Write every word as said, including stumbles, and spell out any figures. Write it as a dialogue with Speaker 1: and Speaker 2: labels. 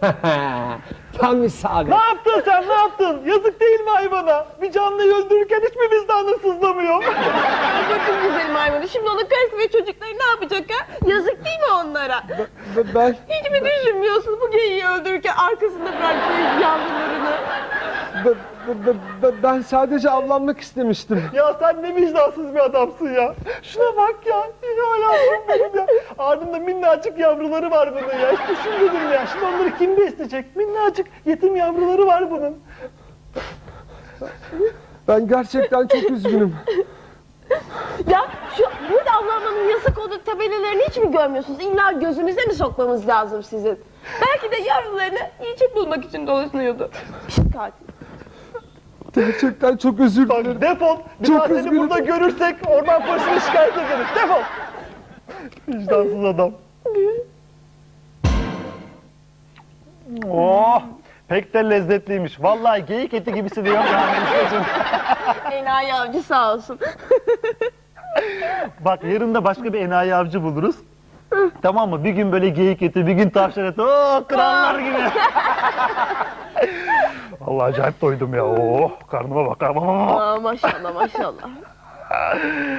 Speaker 1: Tam isabet.
Speaker 2: Ne yaptın sen, ne yaptın? Yazık değil mi hayvana? Bir canlıyı öldürürken hiç mi vicdanın sızlamıyor?
Speaker 3: Bakın güzelim hayvanı. Şimdi onun karısı ve çocukları ne yapacak ha? Yazık değil mi onlara?
Speaker 1: Ben, ben,
Speaker 3: Hiç mi düşünmüyorsun bu geyiği öldürürken arkasında bıraktığı yavrularını?
Speaker 1: ben, ben, ben, ben sadece avlanmak istemiştim.
Speaker 2: Ya sen ne vicdansız bir adamsın ya. Şuna bak ya. Ya yavrum benim ya. Ardında minnacık yavruları var bunun ya. Hiç düşünmedim ya. Şimdi onları kim besleyecek? Minnacık yetim yavruları var bunun.
Speaker 1: Ben gerçekten çok üzgünüm.
Speaker 3: Ya şu burada avlanmanın yasak olduğu tabelalarını hiç mi görmüyorsunuz? İlla gözünüze mi sokmamız lazım sizin? Belki de yavrularını yiyecek bulmak için dolaşıyordu. Pişt katil.
Speaker 1: Gerçekten çok özür
Speaker 2: Bak
Speaker 1: dilerim.
Speaker 2: defol. Bir
Speaker 1: Çok
Speaker 2: daha seni
Speaker 1: üzgünüm.
Speaker 2: burada görürsek orman polisine şikayet ederiz. Defol. Vicdansız adam. Oh, pek de lezzetliymiş. Vallahi geyik eti gibisi de yok ya Melisa'cığım.
Speaker 3: Enayi avcı sağ olsun.
Speaker 2: Bak yarın da başka bir enayi avcı buluruz. Tamam mı? Bir gün böyle geyik eti, bir gün tavşan eti. Oo, krallar gibi. Vallahi acayip doydum ya. Oh, karnıma bak.
Speaker 3: Aa, maşallah maşallah.